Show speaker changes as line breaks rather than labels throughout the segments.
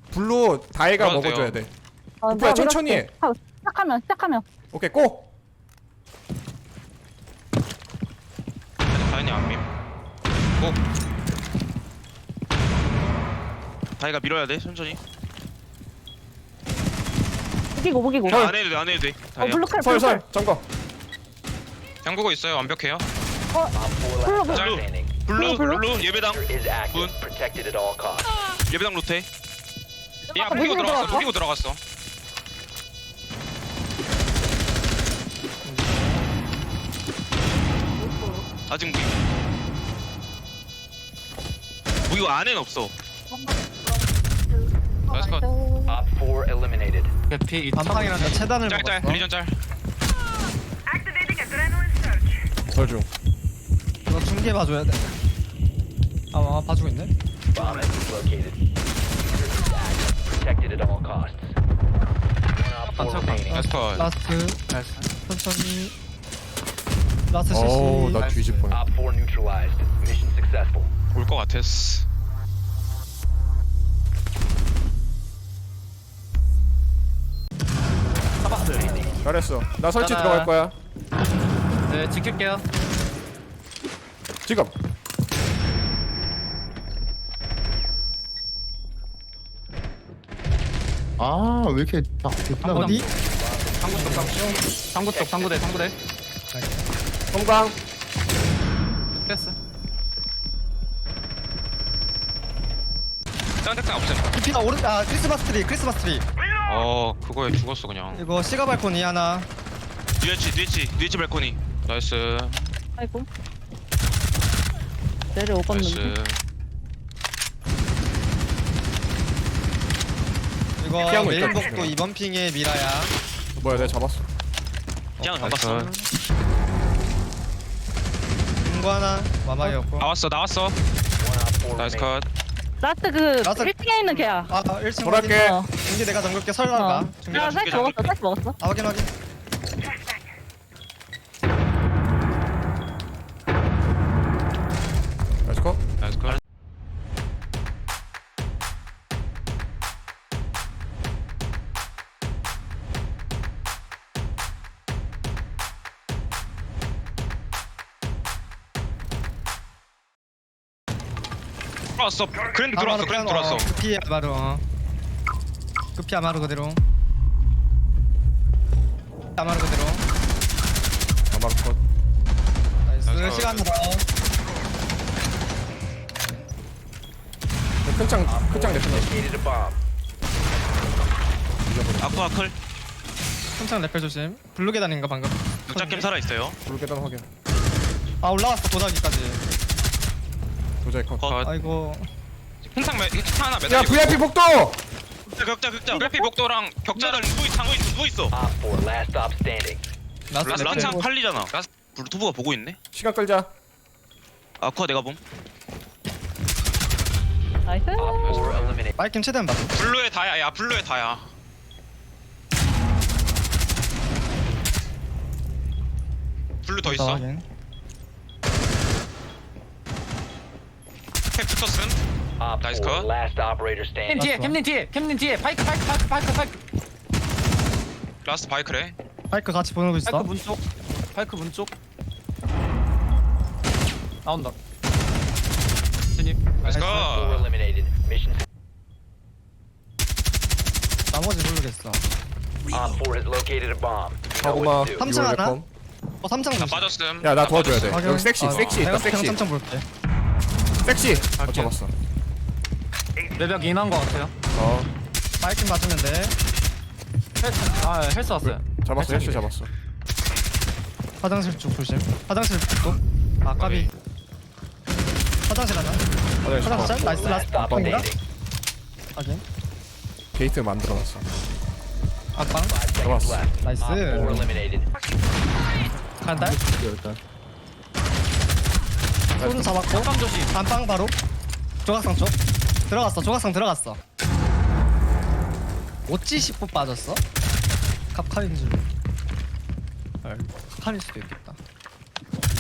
블루 다이가
그래도
먹어줘야
돼요.
돼.
어,
오빠야,
내가
천천히
밀어줄게. 시작하면
오케이 고.
다현이 안 밈. 고. 다이가 밀어야 돼 천천히.
무기고
안 해도 돼, 안 해도 돼. 다이야.
블루칼
설설 점거.
잠그고 있어요. 완벽해요.
블루
블루 예배당
is active,
문.
protected at all costs.
예배당 로테. 야
아까
무기고
무기고
들어갔어.
들어갔어?
무기고 들어갔어. 아직 무기. 무기고 안에는 없어. 나이스 컷.
Op 4 eliminated.
개피
반방이랑 나 체단을
짤짤
먹었어.
리전 짤.
설중.
이거 중계 봐줘야 돼. 아 봐주고 있네.
Bomb has been located. Diffuser is active, protected at all costs. One Op 4 remaining.
나이스 컷.
라스트 천천히. 라스트
어우
CC.
나 뒤질 뻔.
Op 4 neutralized. Mission successful.
올것 같았어.
잘했어. 나 설치
짜잔.
들어갈 거야.
네 지킬게요.
지금.
아, 왜 이렇게 딱 됐나?
어디?
상구 쪽 상구대
성광.
패스.
짱택장 없음.
깊이가 오른 크리스마스 트리.
그거에 죽었어 그냥.
이거 시가 발코니 하나.
뒤에치 발코니. 나이스.
아이고 내려오겠는데
나이스.
이거
피하고 있다,
메인복도
조심해.
이번 핑에 미라야.
뭐야 내가 잡았어.
짱 잡았어.
인구 하나 마마이었고.
나왔어.
One Op 4
나이스
remaining.
컷.
라스트 그
라스트-
1층에 있는 걔야
1층
돌아갈게.
확인. 중계 내가 잠글게 설날가. 중계.
내가 쌀 먹었어
확인.
나이스 컷.
나이스 컷. 들어왔어. 그랜드 들어왔어.
급히 아마루. 급히 아마루 그대로. 아마루 그대로.
아마루 컷.
나이스.
나이스.
시간 더.
큰창 대표님.
Located a bomb.
아쿠아클.
한창 레펠 조심. 블루 계단인가 방금.
늑자캠 살아 있어요.
블루 계단 확인.
올라왔어 도자기까지.
도자기 컷.
컷.
아이고.
항상 하나
야
매달리고.
VIP 복도.
격자. VIP 복도랑 격자를 누워 있어.
Op 4 last stop standing.
라스트
란창
레펠.
팔리잖아. 블루투브가 보고 있네.
시간 끌자.
아쿠아 내가 봄.
나이스
Op 4 eliminated.
마이캠 최대한 봐.
블루의 다야. 야 블루의 다야. 블루 더 있어.
확인.
캡 붙었음.
Op
Nice
4
cut.
last operator
캠
standing.
뒤에 캠님 뒤에 파이크
라스트 바이크래.
마이크 같이 보내고 있어.
파이크 문쪽 나온다. 진입.
나이스
Op 4
컷.
eliminated. Mission.
나머지 모르겠어.
Op 4 has located a bomb. You know
하고마.
what to do.
삼층 하나? 삼창
나
조심.
빠졌음.
야나 도와줘야 돼.
확인.
여기 섹시 있다
내가
섹시.
삼창 볼게.
섹시.
갈게.
잡았어.
레벨 인한 거 같아요.
마이캠 맞으면 돼.
헬스 왔어요.
잡았어. 헬스 잡았어.
화장실 쪽 조심. 화장실 쪽. 까비. 화장실 하나.
화장실 컷.
화장실 나이스
Last
라스트
stop
앞방인가?
standing.
확인.
게이트 만들어놨어.
앞방.
5 seconds
잡았어.
left.
나이스.
Op 4 eliminated.
간다. 소름 잡았고.
깜 조심.
안방 바로. 조각상 쪽. 조각상 들어갔어. 어찌 10분 빠졌어? 갑칼인 줄. 칼일 수도 있겠다.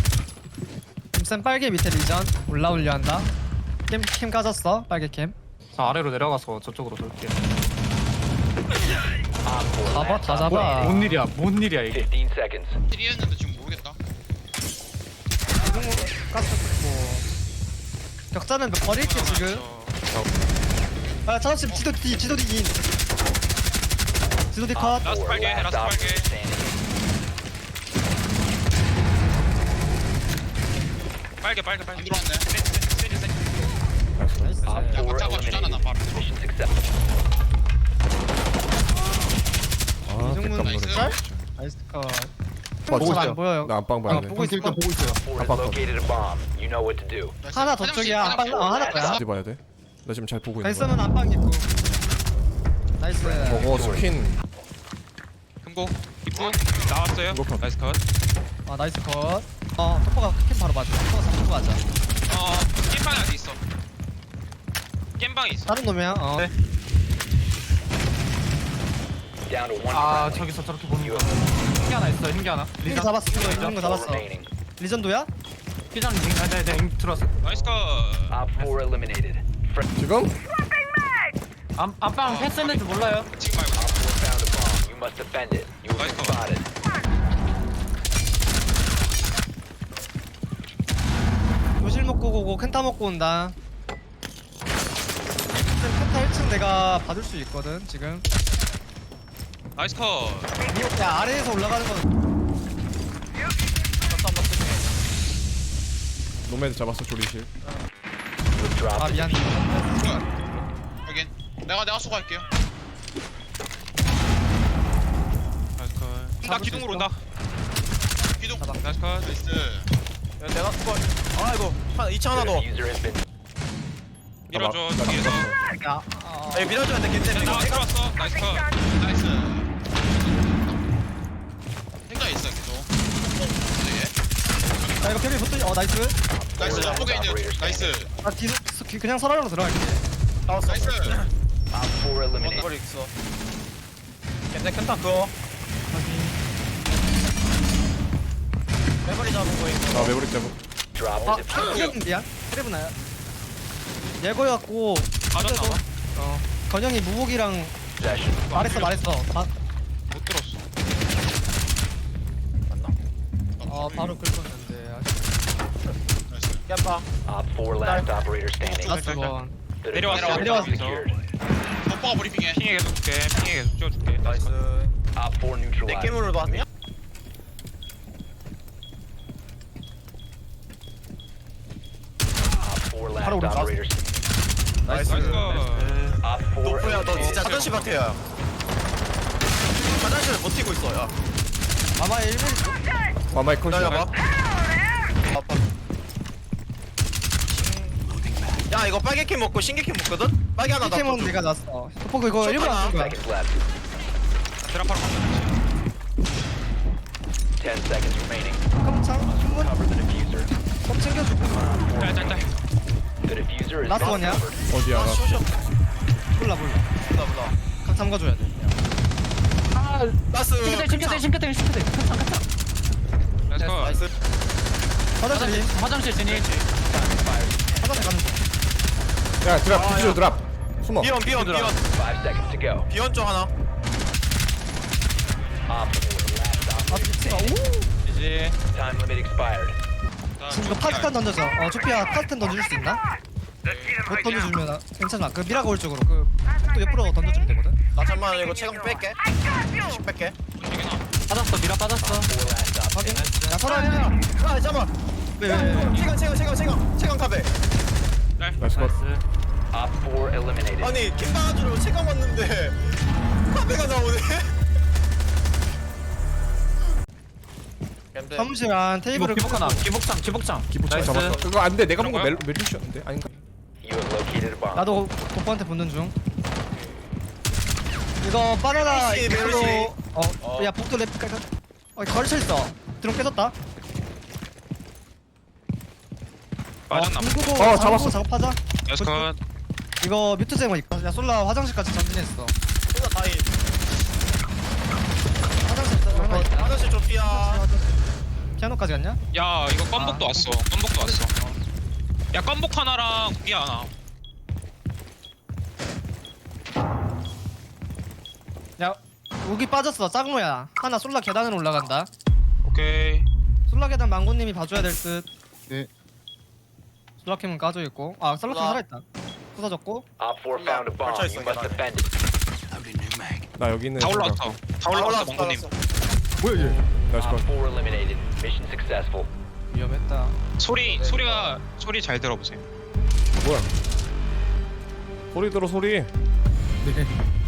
쌤 빨개 밑에 리전 올라오려 한다. 캠 까졌어. 빨개 캠.
저 아래로 내려가서 저쪽으로 돌게요.
잡아 다 잡아.
뭔 일이야? 뭔 일이야 이게?
15 seconds.
1위였는데 지금 모르겠다.
이동으로 가스 뭐 격자는 몇 버릴게 지금. 아 차단심 지도 뒤 지도 뒤인. 지도 뒤 컷.
라스트 8개,
Last
라스트
operator
8개.
standing.
빨개. 안 들어왔네.
나이스.
Op 4 eliminated. Mission success.
아
이정문
깜놀해
나이스.
진짜.
나이스 컷.
보고
잘안
있어.
보여요.
나 안방 봐야 돼.
보고 있어.
일단 보고 있어요.
4 has located a bomb. You know what to do.
하나 더 쪽이야. 안방 하나 거야.
어디 봐야 돼? 나 지금 잘 보고 있는 거야.
갈서는 안방 있고. 나이스.
저거 스킨
금고 입구 나왔어요.
금고 컷.
나이스 컷.
아 나이스 컷. 토퍼가 캠 바로 맞아. 토퍼가 잡고 가자.
겜방에 어디 있어? 겜방에 있어.
다른 놈이야.
네.
Down to one
아
friendly.
저기서 저렇게 보는 거. 흰게 하나 있어. 흰게 하나.
링
리전
잡았어. 링거
Op 4
잡았어.
remaining.
리전도야?
피전 링. 네, 링 들어왔어.
나이스 컷.
Op 4 eliminated.
지금?
안방 패스했는지 몰라요.
지금 말고.
Op 4 found a bomb. You must defend it. You have been spotted.
요실 먹고 오고 켄타 먹고 온다. 켄타 1층 내가 받을 수 있거든 지금.
나이스 컷.
야 아래에서 올라가는 건
노매드 잡았어 조리실.
You've dropped
아
the
미안.
여긴 내가 수고할게요.
나이스 컷. 나
잡을 수
기둥으로
있어.
온다.
기둥.
나이스 컷.
나이스.
내가 그걸 아이고 2층 하나 더.
diffuser has been
밀어줘.
나
뒤에서.
야
에 밀어줘야 돼 괜찮아.
나 들어왔어. 나이스 컷.
나이스. 생각 있어 계속.
야 이거 캐리 붙더니 나이스.
나이스. 전복에 있는 나이스.
아 뒤 그냥 서랍으로 들어갈게.
나이스.
Op 4 eliminated.
그걸 있어. 괜찮다 그거. 메모리 잡은 거 있고.
나 메모리 잡고.
Drop the diffuser.
트레븐 미안. 트레븐아야. 예거였고
맞았나 봐.
건영이 무복이랑
Possession.
말했어.
못 들었어.
바로 긁었는데.
나이스.
깜빡.
아,
Op 4 last operator standing.
라스트 번.
The
내려왔어.
diffuser
내려왔어.
is secured.
오빠가 브리핑해.
핑에 계속 줄게. 핑에 계속 찍어줄게.
나이스.
Op 4
내
neutralized.
깨물을 봤냐?
Op 4 last
바로 우리
operator.
나이스.
나이스 컷.
Op 4
너프야 너 진짜
eliminated.
화장실 같아요. 화장실을 버티고 있어. 야.
아마 1mm
와마이 컷이야.
기다려봐. 아빠. 야 이거 빨개 캠 먹고 신개 캠 먹거든? 빨개 하나
캠은
놔둬.
내가 났어. 토퍼 그거
쇼트
1번
하나.
안쓴 거야.
Seconds left.
드랍하러 간다.
10 seconds remaining.
깜창 충분
Cover the diffuser.
꼭 챙겨주고.
짤짤짤.
The diffuser is
Last
not
one, yeah?
covered.
어디야?
아
나
쇼쇼.
몰라.
보다.
각 잠가줘야 돼.
나스.
싱크대.
나이스 컷.
나이스.
화장실
화장실 진입.
화장실 가는 중.
야 드랍 디지로 드랍. 숨어.
비원
5 seconds to go.
비원 쪽 하나.
Op 4 last
아
operator.
미치가 오.
이제
Time limit expired.
지금 이거 파스탄 던져줘. 조피아 파스탄 던져줄 수 있나? 못 던져주면 괜찮아. 그 미라가 올 쪽으로 또 옆으로 던져주면 되거든.
나 잠만 이거 체감 뺄게. 10 뺄게.
빠졌어. 미라 빠졌어.
4 last
확인.
operator.
야 서랍이.
아 잠만.
왜?
체감 탑에.
나이스 컷.
Op 4 eliminated.
아니 김방아주로 체감 왔는데 탑에가 나오네.
사무실 안 테이블을
기복 하나. 기복장.
기부창
나이스.
잡았어. 그거 안돼. 내가
그런
본거
거야?
멜루시였는데 아닌가?
You have located a bomb.
나도 도퍼한테 붙는 중. 이거 바나나
메르시,
이걸로
메르시.
야 복도 랩 깔까? 걸쳐 있어. 드론 깨졌다.
맞았나 봐.
중국어
잡았어.
작업하자.
나이스 컷.
이거 뮤트쟁어 있고. 야 솔라 화장실까지 전진했어.
혼자 다이.
화장실 있어.
화장실 좀 피야.
피아노까지 갔냐?
야 이거 껌복도 왔어. 껌복도 왔어. 야 껌복 하나랑 고기 하나.
우기 빠졌어. 짱로야. 하나 솔라 계단으로 올라간다.
오케이.
솔라 계단 망고님이 봐줘야 될 듯.
네.
솔라 캠은 까져 있고. 아 솔라 캠
솔라.
살아있다. 부서졌고.
Op 4 found a bomb.
걸쳐있어,
You must
계단에.
defend it.
나 여기 있는
다 올라왔어. 다 올라왔어 몽고님.
뭐야 얘?
나이스
Op
컷
4 eliminated. Mission successful.
위험했다.
소리 잘 들어보세요.
뭐야 소리 들어 소리
네.